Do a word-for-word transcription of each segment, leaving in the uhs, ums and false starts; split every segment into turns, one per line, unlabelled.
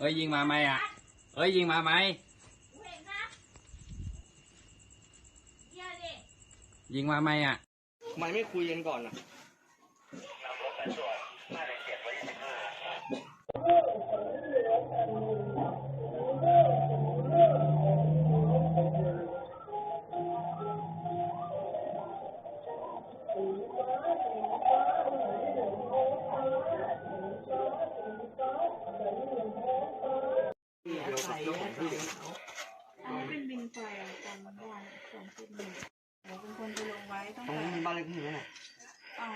อ้ยยิงมาไหมอ่ะเอ้ยยิงมาไหมยิงมาไหมอ่ะ
ทำไมไม่คุยกันก่อนล่ะ
อันนี้เป็นบินไฟจำได้สองจุดหนึ่งเดี๋ยวเป็นคนไปลงไว้ตั้ง
ตรง
แต่
นี้บ้านเลขที่ไหนน่ะ
อ่า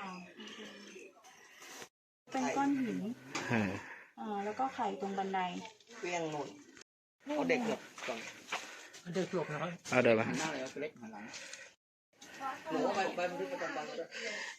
เป็นก้อนหินอ่าแล้วก็ไข่ตรงบันได
เปี้ยงหมดเอาเด็กหลบก่อนเอาเด็กหลบนะเอาเดินมาหน้าเลยเอาเล็กมาหลังหนูไปไปบันทึกประจำวันเลย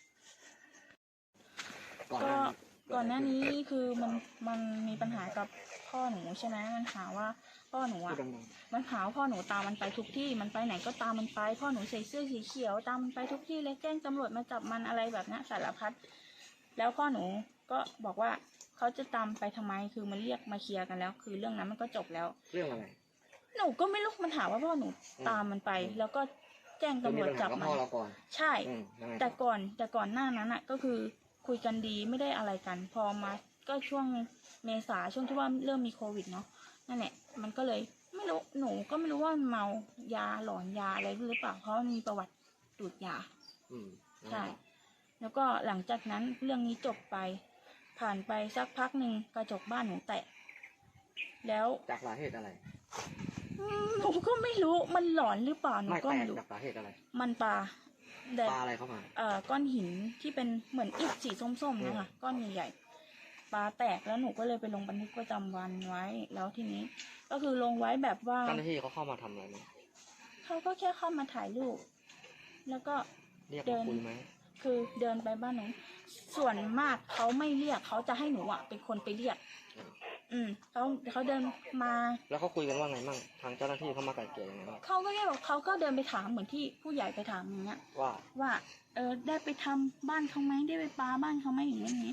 ก็ก่อนหน้านี้คือมันมันมีปัญหากับพ่อหนูใช่ไหมมันหาว่าพ่อหนูอ่ะมันหาว่าพ่อหนูตามมันไปทุกที่มันไปไหนก็ตามมันไปพ่อหนูใส่เสื้อสีเขียวตามมันไปทุกที่เลยแจ้งตำรวจมาจับมันอะไรแบบนี้สารพัดแล้วพ่อหนูก็บอกว่าเขาจะตามไปทำไมคือมันเรียกมาเคลียร์กันแล้วคือเรื่องนั้นมันก็จบแล้ว
เรื่องอะไร
หนูก็ไม่รู้มันหาว่าพ่อหนูตามมันไปแล้วก็แจ้งตำรวจจับมันใช่แต่ก่อนแต่ก่อนหน้านั้นอ่ะก็คือคุยกันดีไม่ได้อะไรกันพอมาก็ช่วงเมษาช่วงที่ว่าเริ่มมีโควิดเนาะนั่นแหละมันก็เลยไม่รู้หนูก็ไม่รู้ว่าเมายาหลอนยาอะไรหรือเปล่าเพราะมันมีประวัติดูดยาใช่แล้วก็หลังจากนั้นเรื่องนี้จบไปผ่านไปสักพักหนึ่งกระจกบ้านหนูแตกแล้ว
จากสาเหตุอะไร
หนูก็ไม่รู้มันหลอนหรือเปล่าหนูก็ไม่รู้
จากสาเหตุอะไร
มันปลา
ปลาอะไรเข้ามา
เอ่อก้อนหินที่เป็นเหมือนอิฐสีส้มๆนะคะก้อนใหญ่ๆปลาแตกแล้วหนูก็เลยไปลงบันทึกประจำวันไว้แล้วทีนี้ก็คือลงไว้แบบว่า
เจ้าหน้าที่เขาเข้ามาทำอะไรไหม
เขาก็แค่เข้ามาถ่ายรูปแล้วก็
เดินคุยไหม
คือเดินไปบ้านหนูส่วนมากเขาไม่เรียกเขาจะให้หนูอ่ะเป็นคนไปเรียกอืมเขาเขาเดินมา
แล้วเขาคุยกันว่าไงมั่งทางเจ้าหน้าที่เขามาไกล่เกลี่ยยังไงบ้าง
เขาก็แค่บอกเขาก็เดินไปถามเหมือนที่ผู้ใหญ่ไปถามอย่างเงี้ย
ว่า
ว่าเออได้ไปทำบ้านเขาไหมได้ไปปาบ้านเขาไหมอย่างเงี้ยอย่างเงี้ย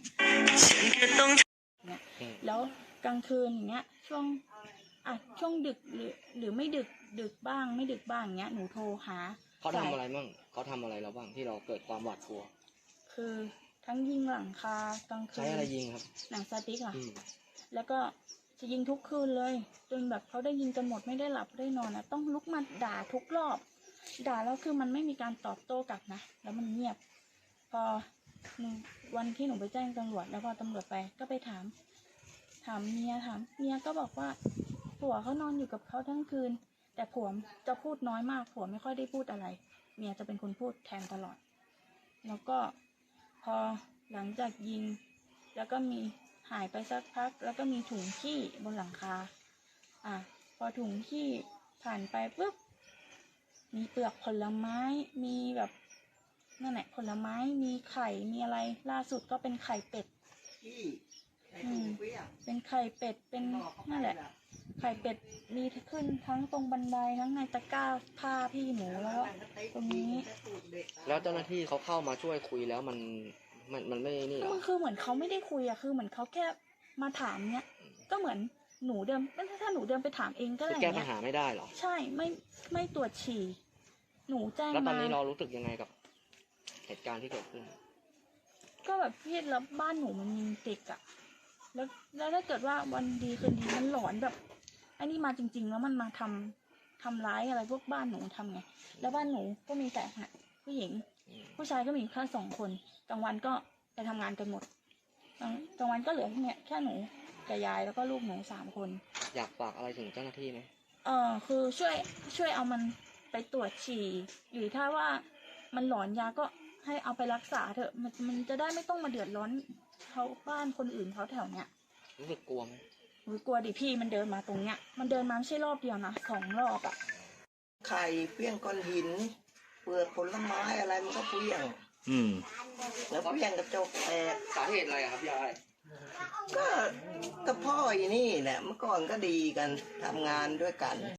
แล้วกลางคืนอย่างเงี้ยช่วงอ่ะช่วงดึกหรือหรือไม่ดึกดึกบ้างไม่ดึกบ้างอย่างเงี้ยหนูโทรหา
เขาทำอะไรมั่งเขาทำอะไรเราบ้างที่เราเกิดความหวาดกลัว
คือทั้งยิงหลังคากลางคืน
ใช้อะไรยิงครับ
หนังสติ๊กอ่ะแล้วก็จะยิงทุกคืนเลยจนแบบเขาได้ยิงจนหมดไม่ได้หลับได้นอนอ่ะต้องลุกมาด่าทุกรอบด่าแล้วคือมันไม่มีการตอบโต้กลับนะแล้วมันเงียบพอวันที่หนูไปแจ้งตำรวจแล้วพอตำรวจไปก็ไปถามถามเมียถามเมียก็บอกว่าผัวเขานอนอยู่กับเขาทั้งคืนแต่ผัวจะพูดน้อยมากผัวไม่ค่อยได้พูดอะไรเมียจะเป็นคนพูดแทนตลอดแล้วก็พอหลังจากยิงแล้วก็มีหายไปสักพักแล้วก็มีถุงขี้บนหลังคาอ่ะพอถุงขี้ผ่านไปปุ๊บมีเปลือกผลไม้มีแบบนั่นแหละผลไม้มีไข่มีอะไรล่าสุดก็เป็นไข่เป็ดอืมเป็นไข่เป็ดเป็นนั่นแหละไข่เป็ดมีขึ้นทั้งตรงบันไดทั้งในตะกร้าผ้าพี่หนูแล้วตรงนี้
แล้วเจ้าหน้าที่เขาเข้ามาช่วยคุยแล้วมันมันมันไม่นี่
มันคือเหมือนเขาไม่ได้คุยอะคือเหมือนเขาแค่มาถามเนี้ยก็เหมือนหนูเดินถ้าหนูเดินไปถามเองก็ได้
แก้ปัญหาไม่ได้หรอ
ใช่ไม่ไม่ตรวจฉี่หนูแจ้งมา
แล้วตอนนี้เรารู้สึกยังไงกับเหตุการณ์ที่เกิดขึ้น
ก็แบบพี่แล้วบ้านหนูมันมีเด็กอะแล้วแล้วถ้าเกิดว่าวันดีคืนดีมันหลอนแบบไอ้นี่มาจริงๆแล้วมันมาทำทำร้ายอะไรพวกบ้านหนูทำไงแล้วบ้านหนูก็มีแต่ผู้หญิงผู้ชายก็มีแค่สองคนกลางวันก็ไปทำงานกันหมดกลางวันก็เหลือเนี่ยแค่หนูกับยายแล้วก็ลูกหนูสามคน
อยากฝากอะไรถึงเจ้าหน้าที่ไหม
เออคือช่วยช่วยเอามันไปตรวจฉี่หรือถ้าว่ามันหลอนยาก็ให้เอาไปรักษาเถอะมันมันจะได้ไม่ต้องมาเดือดร้อนเขาบ้านคนอื่นเขาแถวเนี้ย
รู้สึกกลัวไหม
กลัวดิพี่มันเดินมาตรงเนี้ยมันเดินมาไม่ใช่รอบเดียวนะสองรอบอ่ะ
ไข่เปี้ยงก้อนหินเปลือกผลไม้อะไรมันก็เปี้ยง
อืม
แล้วเปี้ยงกระจกแตก
สาเหตุอะไรครับยาย
ก็กับพ่ออีนี่แหละเมื่อก่อนก็ดีกันทำงานด้วยกัน